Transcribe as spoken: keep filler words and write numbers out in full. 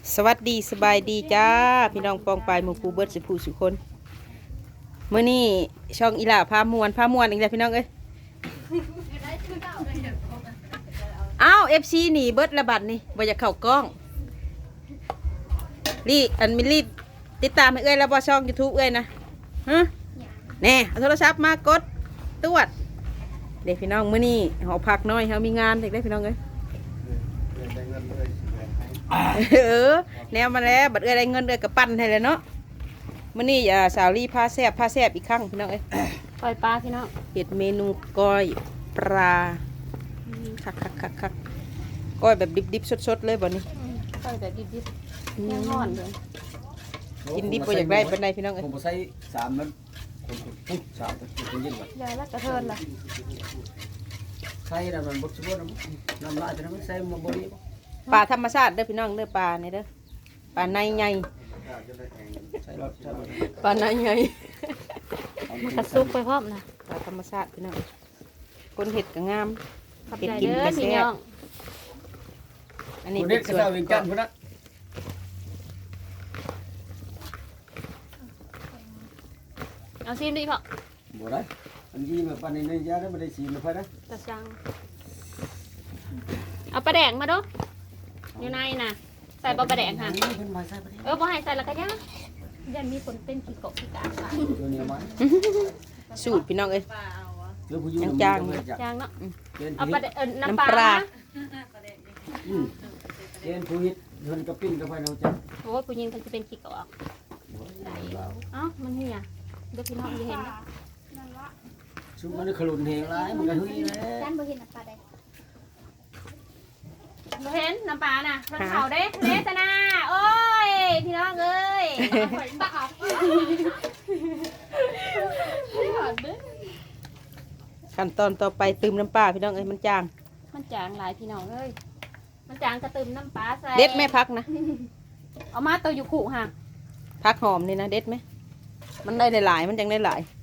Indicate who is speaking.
Speaker 1: สวัสดีสบายดีจ้าพี่น้องปองปลายหมู่ปูเบิร์ดสุภูสุคนเมื่อนี้ช่องอีหล่าพามวนพามวนอีกแล้วพี่น้องเอ้ยอ้าวเอฟซีหนีเบิร์ดระบาดนี่บ่อยากเข้ากล้องรีอันมิรีติดตามให้เอ้ยแล้วบ่ช่องยูทูบเอ้ยนะฮะแน่เอาโทรศัพท์มากดตรวจเด็กพี่น้องเมื่อนี้หอพักน้อยเขามีงานเด็กได้พี่น้องเอ้ยเออแนวมาแล้วบัดเอ้ยได้เงินเอ้ยกับปั้นให้เลยเนาะมื้อนี้อ่าสาวลี่พาแซ่บพาแซ่บอีกครั้งพี่น้องเอ้ย
Speaker 2: ปล่อยปลาพี่น้อง
Speaker 1: เฮ็ดเมนูก้อยปลาคักคักคักคักก้อยแบบดิบๆสดๆเลยบ่นี้
Speaker 2: ปล่อยแบบดิบๆยังห่อนเลย
Speaker 1: กินดิบบ่อยากได้ปานใดพี่น้องเอ้ย
Speaker 3: ผมบ่ใส่สามนั้นผมปุ๊บสามตัวกินยินบ่
Speaker 2: ยายละกระเทินล่ะ
Speaker 3: ใส่แล้วมันบ่สมบูรณ์น้ำลายแต่มันใส่มันบ่ดีบ่
Speaker 1: ปลาธรรมชาติเด้อพี่น้องเด้อปลานี่เด้อปลาในใหญ่
Speaker 3: ใส่รสชาติ
Speaker 1: ปลาในใหญ่
Speaker 2: มันกระซุกไปพร้อมนะ
Speaker 1: ปลาธรรมชาติพี่น้องคนเห็ดก็งาม
Speaker 2: ขับ
Speaker 1: เห็ด
Speaker 2: ใจ
Speaker 1: กิน
Speaker 2: เด้อ
Speaker 1: ก็
Speaker 2: พี่
Speaker 1: แซ่
Speaker 2: น้
Speaker 1: บ
Speaker 2: อง
Speaker 1: อันนี้
Speaker 3: คน
Speaker 1: เป็
Speaker 3: นี้
Speaker 1: น
Speaker 3: ก็
Speaker 1: ส่วน
Speaker 3: เจ้าเวียงจันทน์พุ่นน่ะ
Speaker 2: เอาซิมดิพ่อ
Speaker 3: บ่ได้อันนี้แบบปานนี้ยาได้บ่ได้สีมาไผนะ
Speaker 2: ตะชังเอาปลาแดงมาดูอยู่ในน่ะใส่ปลาแดงค่ะ
Speaker 3: เพิ่นมาใส่ปลาแดง
Speaker 2: เออบ่ให้ใส่แล้วก็ย่างยันมีคนเป็นขี้เกาะขี้กาค่ะ
Speaker 3: ตัวนี้มา
Speaker 1: สูตรพี่น้องเอ้ย
Speaker 3: หรือผู้อยู่
Speaker 1: จาง
Speaker 2: จางเนาะ
Speaker 3: เป็น
Speaker 2: เอาปลาแดงเออน้ำ
Speaker 1: น้ำ
Speaker 2: ป
Speaker 1: ป
Speaker 2: ลา
Speaker 1: ลา
Speaker 3: อืมเป็นผู้เฮ็ดเพิ่นก็ปิ้นกับไผเนาะจ้ะ
Speaker 2: โอ้ยผู้หญิงเขาจะเป็นขี้เกาะเอ้ามันเหี่ยเดี๋ยวพี่น้องจะเห็นนะ
Speaker 3: ชุบมันขลุ่นแหงหลายมันก็หุยแล้ว
Speaker 4: ด้านบนเห็นน้ำปลาได้
Speaker 2: บ่เห็นน้ำปลาน่ะมันเข่าเด้เด้ซะนะโอ้ยพี่น้องเอ้ย
Speaker 4: บ้าเอา
Speaker 1: ขั้นตอนต่อไปตืมน้ำปลาพี่น้องเอ้ยมันจาง
Speaker 2: มันจางหลายพี่น้องเอ้ยมันจางกระตึมน้ำปลาใส่
Speaker 1: เด็ดไหมพักนะ
Speaker 2: เอามาตัวอยู่ขู่ค่ะ
Speaker 1: พักหอมนี่นะเด็ดไหมมันได้หลายๆมันจังได้หลาย